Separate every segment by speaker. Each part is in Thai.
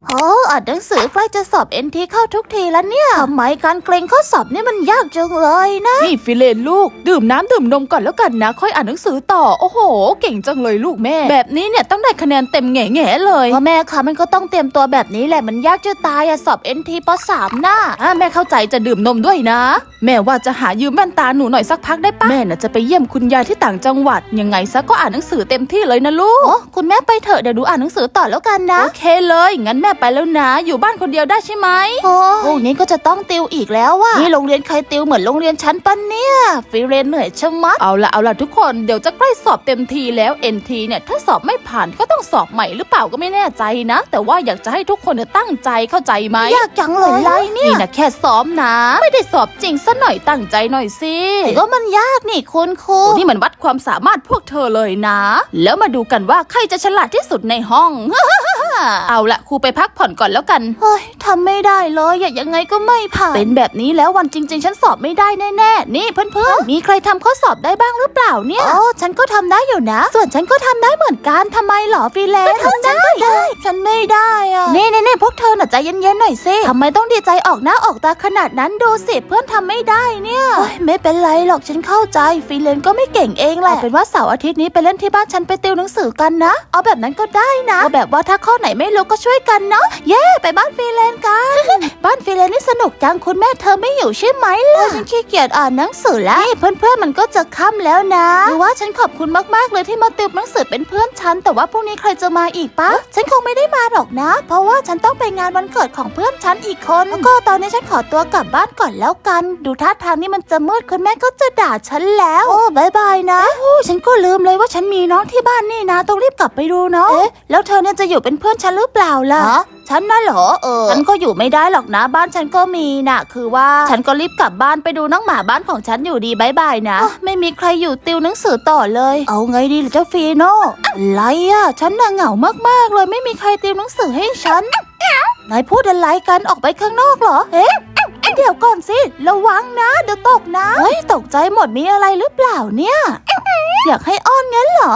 Speaker 1: โอ้อ่านหนังสือใกล้จะสอบ NT เข้าทุกทีแล้วเนี่ยทำไมการเกรงข้อสอบนี่มันยากจังเลยนะ
Speaker 2: นี่ฟิเลนลูกดื่มน้ำดื่มนมก่อนแล้วกันนะค่อยอ่านหนังสือต่อโอ้โหเก่งจังเลยลูกแม่แบบนี้เนี่ยต้องได้คะแนนเต็มแง่ๆเลย
Speaker 1: พ่อแม่คะมันก็ต้องเตรียมตัวแบบนี้แหละมันยากจะตายอะสอบ NT ป.3 น่ะ
Speaker 2: แม่เข้าใจจะดื่มนมด้วยนะแม่ว่าจะหายืมแว่นตาหนูหน่อยสักพักได้ปะแม่น่ะจะไปเยี่ยมคุณยายที่ต่างจังหวัดยังไงซะก็อ่านหนังสือเต็มที่เลยนะลูก
Speaker 1: คุณแม่ไปเถอะเดี๋ยวดูอ่านหนังสือต่อแล้วกันนะ
Speaker 2: โอเคเลยงั้นแม่ไปแล้วนะอยู่บ้านคนเดียวได้ใช่ไหม
Speaker 1: โอ้นี้ก็จะต้องติวอีกแล้วว่ะนี่โรงเรียนใครติวเหมือนโรงเรียนชั้นปะเนี่ยฟิเรนเหนื่อยชะมัด
Speaker 2: เอาละทุกคนเดี๋ยวจะใกล้สอบเต็มทีแล้ว NT เนี่ยถ้าสอบไม่ผ่านก็ต้องสอบใหม่หรือเปล่าก็ไม่แน่ใจนะแต่ว่าอยากจะให้ทุกคนเนี่ยตั้งใจเข้าใจไหม
Speaker 1: ยากจังเลย
Speaker 2: ไรเนี่ยนี่นะแค่ซ้อมนะไม่ได้สอบจริงซะหน่อยตั้งใจหน่อยสิ
Speaker 1: ก็มันยากนี่คุณครู
Speaker 2: นี่มันวัดความสามารถพวกเธอเลยนะแล้วมาดูกันว่าใครจะฉลาดที่สุดในห้องเอาละครูไปพักผ่อนก่อนแล้วกัน
Speaker 1: เฮ้ยทำไม่ได้เลยยังไงก็ไม่ผ่าน
Speaker 2: เป็นแบบนี้แล้ววันจริงๆฉันสอบไม่ได้แน่ๆนี่เพื่อน
Speaker 1: ๆมีใครทำข้อสอบได้บ้างหรือเปล่าเนี่ยฉันก็ทำได้อยู่นะส่วนฉันก็ทำได้เหมือนกันทำไมหรอฟิเลน
Speaker 2: ฉันก็ได้
Speaker 1: ฉันไม่ได้อะนี่พวกเธอน่ะใจเย็นๆหน่อยสิทำไมต้องดีใจออกหน้าออกตาขนาดนั้นดูสิเพื่อนทำไม่ได้เนี่ยไม่เป็นไรหรอกฉันเข้าใจฟิเลนก็ไม่เก่งเองแหละเป็นว่าเสาร์อาทิตย์นี้ไปเล่นที่บ้านฉันไปติวหนังสือกันนะเอาแบบนั้นก็ได้นะเอาแบบว่าถ้าข้อไหนไม่รู้ก็ช่วยกันเนาะเย้ไปบ้านฟิเลนกัน บ้านฟิเลนนี่สนุกจังคุณแม่เธอไม่อยู่ใช่ไหมล่ะฉันขี้เกียจอ่านหนังสือแล้วนี่เพื่อนๆมันก็จะค่ำแล้วนะหรือว่าฉันขอบคุณมากๆเลยที่มาติวหนังสือเป็นเพื่อนฉันแต่ว่าพรุ่งนี้ใครจะมาอีกปะฉันคงไม่ได้มาหรอกนะเพราะว่าฉันต้องไปงานวันเกิดของเพื่อนฉันอีกคนแล้วก็ตอนนี้ฉันขอตัวกลับบ้านก่อนแล้วกันดูท่าทางนี่มันจะมืดคุณแม่ก็จะด่าฉันแล้วโอ้บายบายนะโอ้ฉันก็ลืมเลยว่าฉันมีน้องที่บ้านนี่นะต้องรีบกลับไปดูเนาะแล้วเธอเนี่ยจะอยู่เป็นเพื่อนฉันหรือเปล่าล่ะฉันน่ะเหรอฉันก็อยู่ไม่ได้หรอกนะบ้านฉันก็มีน่ะคือว่าฉันก็รีบกลับบ้านไปดูน้องหมาบ้านของฉันอยู่ดีบายบายนะไม่มีใครอยู่ติวหนังสือต่อเลยเอาไงดีล่ะเจ้าฟีโน่อะไรอ่ะฉันน่ะเหงามากๆเลยไม่มีใครติวหนังสือให้ฉันนายพูดอะไรกันออกไปข้างนอกเหรอเดี๋ยวก่อนสิระวังนะเดี๋ยวตกนะเฮ้ยตกใจหมดมีอะไรหรือเปล่าเนี่ยอยากให้อ้อนงั้นเหรอ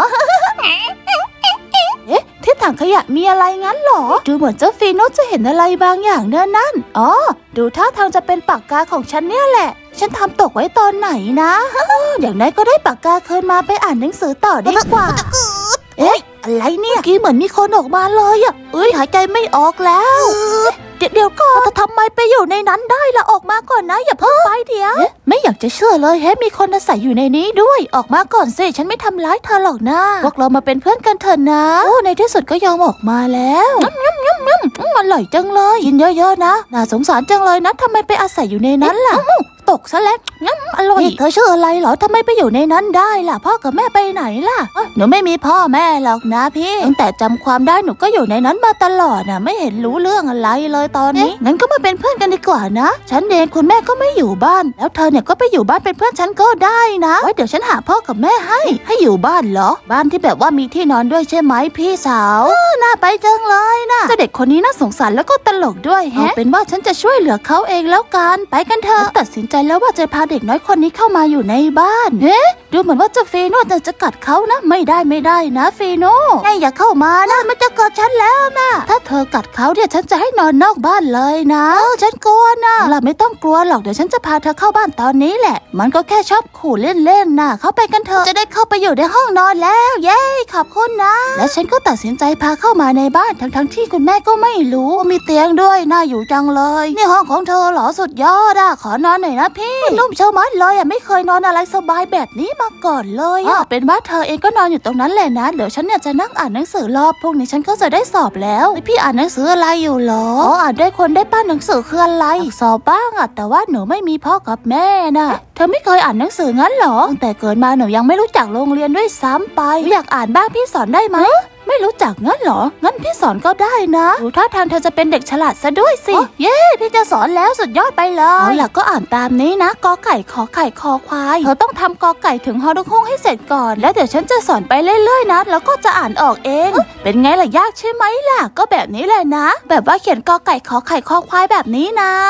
Speaker 1: ที่ถังขยะมีอะไรงั้นเหรอดูเหมือนเจ้าฟีโน่จะเห็นอะไรบางอย่างนั่นอ๋อดูท่าทางจะเป็นปากกาของฉันเนี่ยแหละฉันทำตกไว้ตอนไหนนะอย่างนั้นก็ได้ปากกาคืนมาไปอ่านหนังสือต่อดีกว่าอะไรเนี่ยกี้เหมือนมีคนออกมาเลยอ่ะหายใจไม่ออกแล้วเดี๋ยวก่อนทำไมไปอยู่ในนั้นได้ล่ะออกมาก่อนนะอย่าเพิ่งไปเดี๋ยวไม่อยากจะเชื่อเลยมีคนอาศัยอยู่ในนี้ด้วยออกมาก่อนสิฉันไม่ทำร้ายเธอหรอกนะพวกเรามาเป็นเพื่อนกันเถอะนะโอ้ในที่สุดก็ยอมออกมาแล้วอร่อยจังเลยกินเยอะๆนะน่าสงสารจังเลยนะทำไมไปอาศัยอยู่ในนั้นล่ะตกซะแล้วอร่อยเธอชื่ออะไรเหรอทำไมไปอยู่ในนั้นได้ล่ะพ่อกับแม่ไปไหนล่ะหนูไม่มีพ่อแม่หรอกนะพี่ตั้งแต่จำความได้หนูก็อยู่ในนั้นมาตลอดนะไม่เห็นรู้เรื่องอะไรเลยตอนนี้งั้นก็มาเป็นเพื่อนกันดีกว่านะฉันเองคุณแม่ก็ไม่อยู่บ้านแล้วเธอเนี่ยก็ไปอยู่บ้านเป็นเพื่อนฉันก็ได้นะไว้เดี๋ยวฉันหาพ่อกับแม่ให้อยู่บ้านเหรอบ้านที่แบบว่ามีที่นอนด้วยใช่ไหมพี่สาวน่าไปจังเลยนะเด็กคนนี้น่าสงสารแล้วก็ตลกด้วยเอาเป็นว่าฉันจะช่วยเหลือเขาเองแล้วกันไปกันเถอะตัดสินใจแล้วว่าจะพาเด็กน้อยคนนี้เข้ามาอยู่ในบ้านดูเหมือนว่าเจ้าฟีโน่จะกัดเขานะไม่ได้นะฟีโน่อย่าเข้ามานะมันจะกัดฉันแล้วนะถ้าเธอกัดเขาเนี่ยฉันจะให้นอนนอกบ้านเลยนะฉันกลัวนะเราไม่ต้องกลัวหรอกเดี๋ยวฉันจะพาเธอเข้าบ้านตอนนี้แหละมันก็แค่ชอบขู่เล่นๆนะเข้าไปกันเถอะจะได้เข้าไปอยู่ในห้องนอนแล้วเย้ขอบคุณนะและฉันก็ตัดสินใจพาเข้ามาในบ้านทั้งที่คุณแม่ก็ไม่รู้มีเตียงด้วยน่าอยู่จังเลยนี่ห้องของเธอเหรอสุดยอดขอนอนหน่อยนะพี่นุ่มเชามัดเลยไม่เคยนอนอะไรสบายแบบนี้มาก่อนเลยเป็นว่าเธอเองก็นอนอยู่ตรงนั้นแหละนะเดี๋ยวฉันเนี่ยจะนั่งอ่านหนังสือรอบพรุ่งนี้ฉันก็จะได้สอบแล้วพี่อ่านหนังสืออะไรอยู่หรออ่านได้คนได้ป้าหนังสือคืออะไรสอบบ้างแต่ว่าหนูไม่มีพ่อกับแม่น่ะเธอไม่เคยอ่านหนังสืองั้นหรอตั้งแต่เกิดมาหนูยังไม่รู้จักโรงเรียนด้วยซ้ำไปอยากอ่านบ้างพี่สอนได้ไหมไม่รู้จักงั้นเหรองั้นพี่สอนก็ได้นะดูท่าทางเธอจะเป็นเด็กฉลาดซะด้วยสิเย้พี่จะสอนแล้วสุดยอดไปเลยเอาล่ะก็อ่านตามนี้นะกอไก่ขอไข่คอควายเธอต้องทำกอไก่ถึงฮอนุกฮงให้เสร็จก่อนแล้วเดี๋ยวฉันจะสอนไปเรื่อยๆนะแล้วก็จะอ่านออกเองเป็นไงล่ะยากใช่ไหมล่ะก็แบบนี้แหละนะแบบว่าเขียนกอไก่ขอไข่คอควายแบบนี้นะ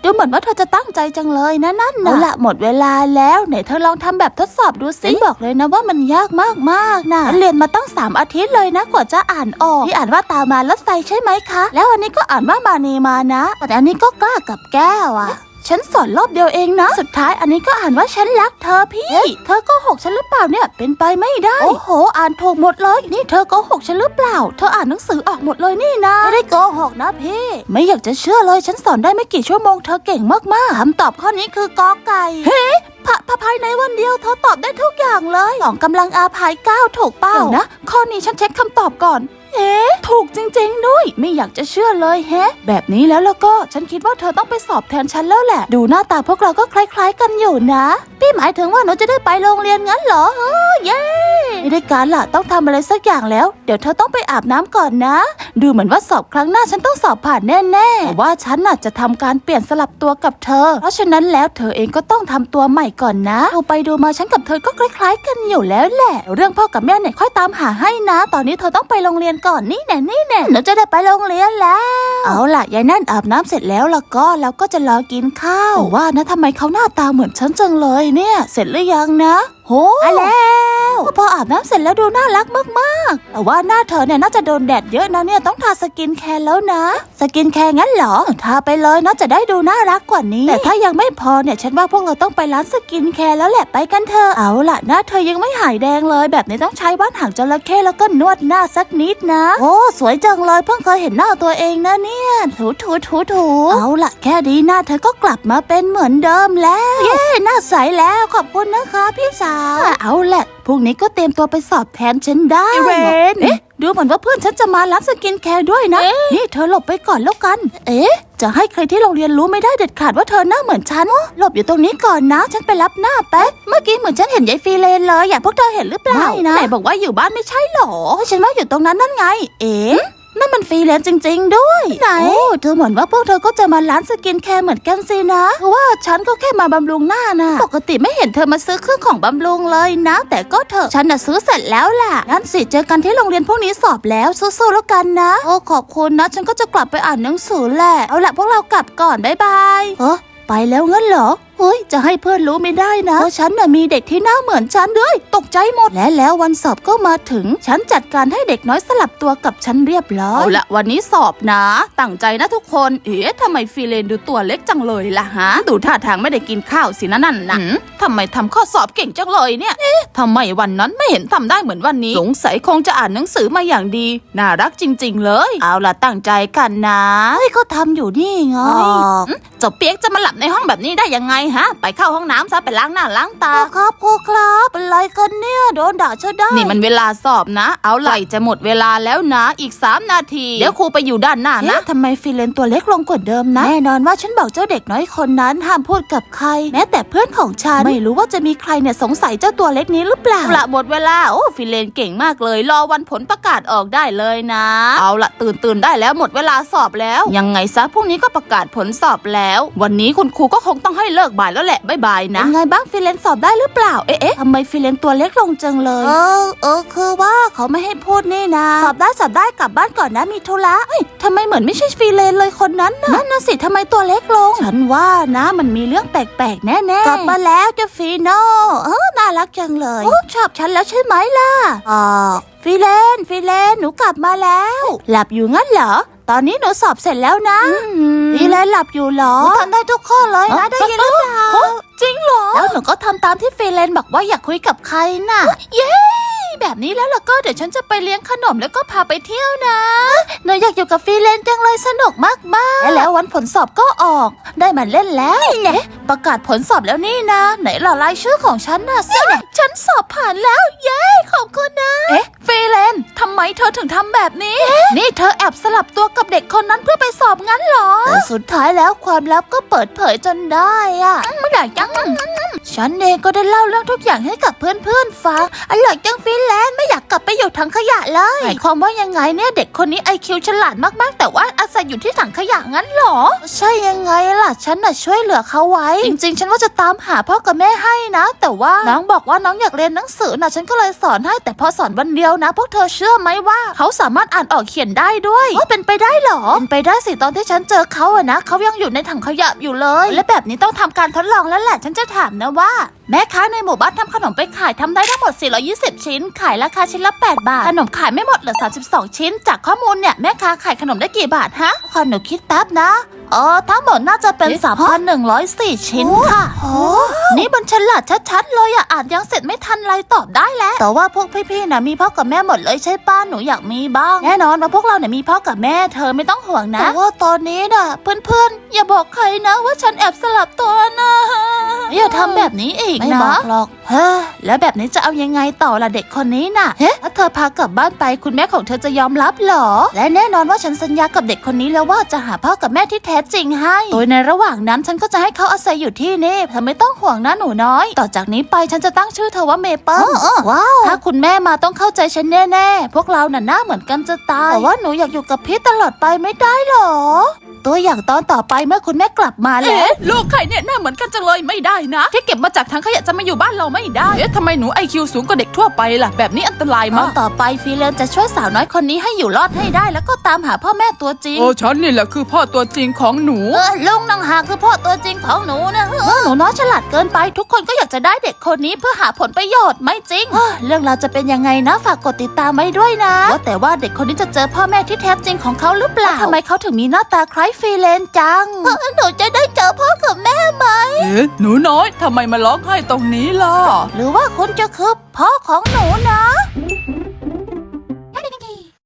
Speaker 1: ดูเหมือนว่าเธอจะตั้งใจจังเลยนะนั่นนะเอาละหมดเวลาแล้วไหนเธอลองทำแบบทดสอบดูสิบอกเลยนะว่ามันยากมากๆนะเรียนมาตั้ง3 อาทิตย์เลยนะกว่าจะอ่านออกที่อ่านว่าตามารถไฟใช่ไหมคะแล้วอันนี้ก็อ่านว่ามานีมานะแต่อันนี้ก็กล้ากับแก้วอะฉันสอนรอบเดียวเองนะสุดท้ายอันนี้ก็อ่านว่าฉันรักเธอพี่เธอโกหกฉันหรือเปล่าเนี่ยเป็นไปไม่ได้โอ้โหอ่านถูกหมดเลยนี่เธอโกหกฉันหรือเปล่าเธออ่านหนังสือออกหมดเลยนี่นะไม่ได้โกหกนะพี่ไม่อยากจะเชื่อเลยฉันสอนได้ไม่กี่ชั่วโมงเธอเก่งมากๆคำตอบข้อนี้คือกอไก่เฮ้ภายในวันเดียวเธอตอบได้ทุกอย่างเลย2 กำลังอาภาย9ถูกเปล่านะข้อนี้ฉันเช็คคำตอบก่อนถูกจริงๆด้วยไม่อยากจะเชื่อเลยแฮะแบบนี้แล้วก็ฉันคิดว่าเธอต้องไปสอบแทนฉันแล้วแหละดูหน้าตาพวกเราก็คล้ายๆกันอยู่นะพี่หมายถึงว่าหนูจะได้ไปโรงเรียนงั้นเหรอเย้ไม่ได้การล่ะต้องทำอะไรสักอย่างแล้วเดี๋ยวเธอต้องไปอาบน้ำก่อนนะดูเหมือนว่าสอบครั้งหน้าฉันต้องสอบผ่านแน่ๆแต่ว่าฉันน่ะจะทำการเปลี่ยนสลับตัวกับเธอเพราะฉะนั้นแล้วเธอเองก็ต้องทำตัวใหม่ก่อนนะดูไปดูมาฉันกับเธอก็คล้ายๆกันอยู่แล้วแหละเรื่องพ่อกับแม่เนี่ยค่อยตามหาให้นะตอนนี้เธอต้องไปโรงเรียนก่อนนี่แน่หนูจะได้ไปโรงเรียนแล้วเอาล่ะยายนั่นอาบน้ำเสร็จแล้วก็จะรอกินข้าวว่านะทำไมเขาหน้าตาเหมือนฉันจังเลยเนี่ยเสร็จหรือยังนะโหแล้วพออาบน้ำเสร็จแล้วดูน่ารักมากๆแต่ว่าหน้าเธอเนี่ยน่าจะโดนแดดเยอะนะเนี่ยต้องทาสกินแคร์แล้วนะสกินแคร์งั้นเหรอทาไปเลยน่าจะได้ดูน่ารักกว่านี้แต่ถ้ายังไม่พอเนี่ยฉันว่าพวกเราต้องไปร้านสกินแคร์แล้วแหละไปกันเถอะเอาล่ะหน้าเธอยังไม่หายแดงเลยแบบนี้ต้องใช้ว่านหางจระเข้แล้วก็นวดหน้าสักนิดนะโอ้สวยจังเลยเพิ่งเคยเห็นหน้าตัวเองนะเนี่ยถูเอาล่ะแค่นี้หน้าเธอก็กลับมาเป็นเหมือนเดิมแล้วเย้หน้าใสแล้วขอบคุณนะคะพี่สาวเอาแหละพรุ่งนี้ก็เตรียมตัวไปสอบแทนฉันได้เรนดูเหมือนว่าเพื่อนฉันจะมาร้านสกินแคร์ด้วยนะนี่เธอหลบไปก่อนแล้วกันจะให้ใครที่โรงเรียนรู้ไม่ได้เด็ดขาดว่าเธอหน้าเหมือนฉันหลบอยู่ตรงนี้ก่อนนะฉันไปรับหน้าแป๊บเมื่อกี้เหมือนฉันเห็นยายฟีเลนเลยอยากพวกเธอเห็นหรือเปล่าไม่นะไหนบอกว่าอยู่บ้านไม่ใช่หรอฉันว่าอยู่ตรงนั้นนั่นไงนั่นมันฟรีแลนซ์จริงๆด้วยไหนเธอเหมือนว่าพวกเธอก็จะมาร้านสกินแคร์เหมือนกันสินะเพราะว่าฉันก็แค่มาบำรุงหน้านะปกติไม่เห็นเธอมาซื้อเครื่องของบำรุงเลยนะแต่ก็เถอะฉันน่ะซื้อเสร็จแล้วล่ะงั้นสิเจอกันที่โรงเรียนพวกนี้สอบแล้วสู้ๆแล้วกันนะโอ้ขอบคุณนะฉันก็จะกลับไปอ่านหนังสือแหละเอาละพวกเรากลับก่อนบ๊ายบายไปแล้วงั้นเหรอเฮ้ยจะให้เพื่อนรู้ไม่ได้นะเพราะฉันน่ะมีเด็กที่หน้าเหมือนฉันด้วยตกใจหมดแล้ววันสอบก็มาถึงฉันจัดการให้เด็กน้อยสลับตัวกับฉันเรียบร้อย
Speaker 2: เอาละวันนี้สอบนะตั้งใจนะทุกคนทำไมฟีเลนดูตัวเล็กจังเลยล่ะฮะดูท่าทางไม่ได้กินข้าวสินะนั่นนะทำไมทำข้อสอบเก่งจังเลยเนี่ยทำไมวันนั้นไม่เห็นทำได้เหมือนวันนี้สงสัยคงจะอ่านหนังสือมาอย่างดีน่ารักจริงๆเลยเอาละตั้งใจกันนะ
Speaker 1: เขาทำอยู่นี่ไง
Speaker 2: เจ้าเปียกจะมาหลับในห้องแบบนี้ได้ยังไงฮะไปเข้าห้องน้ำซะไปล้างหน้าล้างตา
Speaker 1: ครูครับอะไรกันเนี่ยโดนด่าซะได้
Speaker 2: นี่มันเวลาสอบนะเอาไหลจะหมดเวลาแล้วนะอีก3 นาทีเดี๋ยวครูไปอยู่ด้านหน้านะ
Speaker 1: ทำไมฟีเลนตัวเล็กลงกว่าเดิมนะแน่นอนว่าฉันบอกเจ้าเด็กน้อยคนนั้นห้ามพูดกับใครแม้แต่เพื่อนของฉันไม่รู้ว่าจะมีใครเนี่ยสงสัยเจ้าตัวเล็กนี้หรือเปล่า
Speaker 2: ละหมดเวลาโอ้ฟีเลนเก่งมากเลยรอวันผลประกาศออกได้เลยนะเอาละตื่นได้แล้วหมดเวลาสอบแล้วยังไงซะพรุ่งนี้ก็ประกาศผลสอบแล้ววันนี้คุณครูก็คงต้องให้เลิกบ่ายแล้วแหละบ๊ายบายนะ
Speaker 1: ไงบ้างฟีเลนสอบได้หรือเปล่าทำไมฟีเลนตัวเล็กลงจังเลยคือว่าเขาไม่ให้พูดนี่นะสอบได้กลับบ้านก่อนนะมีธุระทำไมเหมือนไม่ใช่ฟีเลนเลยคนนั้นนั่นน่ะสิทำไมตัวเล็กลงฉันว่านะมันมีเรื่องแปลกๆแน่ๆกลับมาแล้วเจ้าฟีโน่น่ารักจังเลยชอบฉันแล้วใช่ไหมล่ะฟีเลนหนูกลับมาแล้วหลับอยู่งั้นเหรอตอนนี้หนูสอบเสร็จแล้วนะฟีเลนหลับอยู่เหรอทำได้ทุกข้อเลยนะได้ยินหรือเปล่า
Speaker 2: จริงเหรอ
Speaker 1: แล้วหนูก็ทำตามที่ฟีเลนบอกว่าอยากคุยกับใครน่ะเย้แบบนี้แล้วก็เดี๋ยวฉันจะไปเลี้ยงขนมแล้วก็พาไปเที่ยวนะหนูอยากอยู่กับฟีเลนจังเลยสนุกมากๆแล้ววันผลสอบก็ออกได้มาเล่นแล้วประกาศผลสอบแล้วนี่นะไหนล่ะรายชื่อของฉันน่ะสิฉันสอบผ่านแล้วเย้ขอบคุณนะ
Speaker 2: ฟีเลนทำไมเธอถึงทำแบบนี้
Speaker 1: นี่เธอแอบสลับตัวกับเด็กคนนั้นเพื่อไปสอบงั้นเหรอแต่สุดท้ายแล้วความลับก็เปิดเผยจนได้อะไม่อยากจังฉันเองก็ได้เล่าเรื่องทุกอย่างให้กับเพื่อนๆฟังอร่อยจังฟีเลนไม่อยากกลับไปอยู่ถังขยะเลยหมายความว่ายังไงเนี่ยเด็กคนนี้ IQ ฉลาดมากๆแต่ว่าอาศัยอยู่ที่ถังขยะงั้นเหรอใช่ยังไงล่ะฉันน่ะช่วยเหลือเขาไว้จริงๆฉันว่าจะตามหาพ่อกับแม่ให้นะแต่ว่าน้องบอกว่าน้องอยากเรียนหนังสือนะฉันก็เลยสอนให้แต่พอสอนวันเดียวนะพวกเธอเชื่อไหมว่าเขาสามารถอ่านออกเขียนได้ด้วยว่าเป็นไปได้เหรอเป็นไปได้สิตอนที่ฉันเจอเขาอะนะเขายังอยู่ในถังขยะอยู่เลยและแบบนี้ต้องทำการทดลองแล้วแหละฉันจะถามนะว่าแม่ค้าในหมู่บ้านทำขนมไปขายทำได้ทั้งหมด420ชิ้นขายราคาชิ้นละ8 บาทขนมขายไม่หมดเหลือ32ชิ้นจากข้อมูลเนี่ยแม่ค้าขายขนมได้กี่บาทฮะขอหนูคิดแป๊บนะทั้งหมดน่าจะเป็น 3,104 ชิ้นค่ะนี่มันฉลาดชัดๆเลยอ่านยังเสร็จไม่ทันไรตอบได้แล้วแต่ว่าพวกพี่ๆนะมีพ่อกับแม่หมดเลยใช่ป้าหนูอยากมีบ้างแน่นอนว่าพวกเราเนี่ยมีพ่อกับแม่เธอไม่ต้องห่วงนะแต่ว่าตอนนี้น่ะเพื่อนๆอย่าบอกใครนะว่าฉันแอบสลับตัวนะอย่าทำแบบนี้อีกนะไม่บอกหรอกแล้วแบบนี้จะเอายังไงต่อล่ะเด็กคนนี้น่ะถ้าเธอพากลับบ้านไปคุณแม่ของเธอจะยอมรับหรอและแน่นอนว่าฉันสัญญากับเด็กคนนี้แล้วว่าจะหาพ่อกับแม่ที่แท้จริงให้โดยในระหว่างนั้นฉันก็จะให้เขาอาศัยอยู่ที่นี่เธอไม่ต้องห่วงนะหนูน้อยต่อจากนี้ไปฉันจะตั้งชื่อเธอว่าเมเปิ้ลว้าวถ้าคุณแม่มาต้องเข้าใจฉันแน่ๆพวกเราน่ะหน้าเหมือนกันจะตายแต่ว่าหนูอยากอยู่กับพี่ตลอดไปไม่ได้หรอตัวอย่างตอนต่อไปเมื่อคุณแม่กลับมาแล้ว
Speaker 2: ลูกใครเนี่ยหน้าเหมือนกันจังเลยไม่ได้นะที่เก็บมาจากถังขยะจะมาอยู่บ้านเราไม่ได้ทำไมหนู IQ สูงกว่าเด็กทั่วไปล่ะแบบนี้อันตรายมาก
Speaker 1: ต่อไปฟีเลนจะช่วยสาวน้อยคนนี้ให้อยู่รอดให้ได้แล้วก็ตามหาพ่อแม่ตัวจริง
Speaker 2: ฉันนี่แหละคือพ่อตัวจริงของหนู
Speaker 1: ลุงนังหาคือพ่อตัวจริงของหนูนะหนูน้อยฉลาดเกินไปทุกคนก็อยากจะได้เด็กคนนี้เพื่อหาผลประโยชน์ไม่จริงเรื่องเราจะเป็นยังไงนะฝากกดติดตามไว้ด้วยนะว่าแต่ว่าเด็กคนนี้จะเจอพ่อแม่ที่แท้จริงของเขาหรือเปล่าทำไมเขาถึงมีหน้าตาคล้ายฟีเลนจังหนูจะได้เจอพ่อกับแม่ไหม
Speaker 2: หนูน้อยทำไมมาร้องไห้ตรงนี้ล่ะ
Speaker 1: หรือว่าคุณจะคือพ่อของหนูนะ